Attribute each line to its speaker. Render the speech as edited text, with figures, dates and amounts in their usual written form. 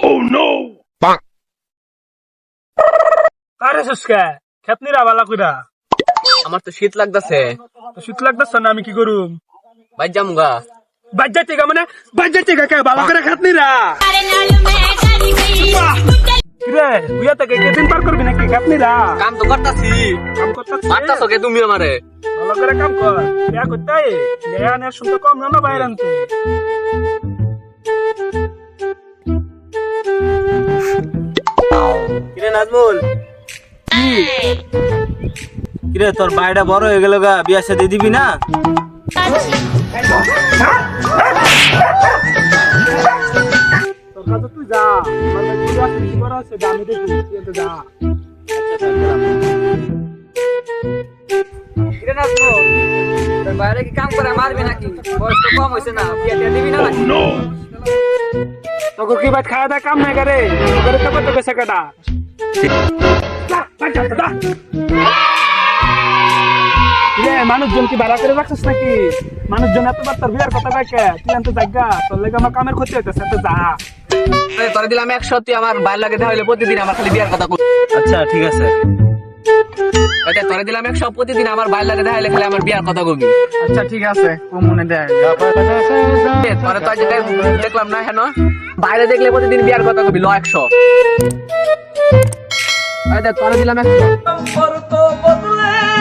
Speaker 1: আরে সুস্কা খেতনি রা বালা কইরা
Speaker 2: আমার তো শীত লাগতাছে।
Speaker 1: তো শীত লাগতাছে না আমি কি করুম
Speaker 2: বাইর যামুগা।
Speaker 1: বাজ্জাতে গা মানে বাজ্জাতে গা কে বালা করে খেতনি রা কিরে তুই এত কে দিন পার করবি নাকি খেতনি রা
Speaker 2: কাম তো করতাছি।
Speaker 1: কাম করতাছিস
Speaker 2: মারতাছো কে তুমি আমারে?
Speaker 1: ভালো করে কাম কর বিয়া করতে বিয়া আনার শুনতে কম না বাইরে আনতে
Speaker 3: কিরে নাজমুল, কিরে তোর ভাইটা বড় হয়ে গেল গা, বিয়া শাদী দিবি না?
Speaker 1: তোর কাছে তুই যা মানে তুই আসলে কি করা আছে আমি দেখি তুই তো যা
Speaker 2: কিরে নাজমুল, তোর বাইরে কি কাম করে মারবি নাকি? বয়স তো কম হইছে না, বিয়া টিয়া দিবি না নাকি?
Speaker 1: তোকে কি বাত খাওয়া দাওয়া কাম নাই করে তোকে তো কত পয়সা কাটা মানুষজন কি ভাড়া করে রাখছিস নাকি? মানুষজন এতবার তোর বিয়ার কথা দেখে তুই আনতে জায়গা তোর লেগে আমার কামের ক্ষতি হইতেছে তো যা
Speaker 2: তোরে দিলাম 100, তুই আমার বাইর লাগে দেখাইলে প্রতিদিন আমার খালি বিয়ার কথা কই।
Speaker 3: আচ্ছা ঠিক আছে।
Speaker 2: এটা তোরে দিলাম 100, প্রতিদিন আমার বাইর লাগে দেখাইলে খালি আমার বিয়ার কথা কবি।
Speaker 1: আচ্ছা ঠিক আছে ও মনে দেয়
Speaker 2: তোরে তো আজ দেখলাম না হেন, বাইরে দেখলে প্রতিদিন বিয়ার কথা কবি। ল 100 তোরে দিলাম 100।